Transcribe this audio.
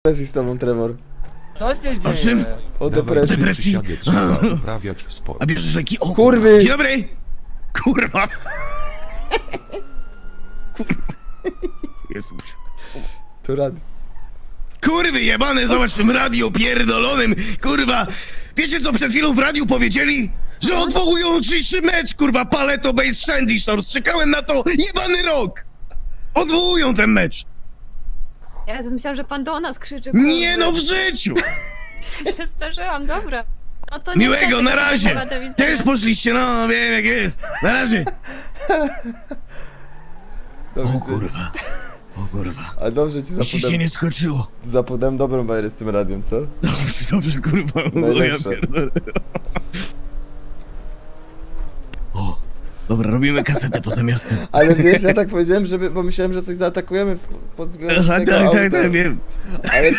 depresji z tobą, Trevor. Co się O czym? dzieje? O depresji. Przysiadę trzeba uprawiać sport. A bierzesz leki? O, Kurwy! Dzień dobry! Kurwa! Kurwa. Jezus. To rad. Kurwy jebane, zobacz w tym radiu pierdolonym, kurwa! Wiecie co przed chwilą w radiu powiedzieli? Że odwołują jutrzejszy mecz, kurwa, Paleto Base Shandy Shores. Czekałem na to jebany rok! Odwołują ten mecz! Jezus, myślałam, że pan do nas krzyczy. Nie no, w życiu! Przestraszyłam, dobra. No to Miłego, niestety, na razie! do widzenia. Też poszliście, no wiem jak jest. Na razie! Do O widzenia. kurwa. O kurwa. A dobrze ci Ci się zapodam, nie skoczyło. zapodam dobrą bajerę z tym radiem, co? Dobrze, kurwa. O, ja Najlepsze. pierdolę. O, dobra, robimy kasetę poza miastem. Ale wiesz, ja tak powiedziałem, żeby, bo myślałem, że coś zaatakujemy pod względem Aha, tego tak, auta. tak, tak, wiem. Ale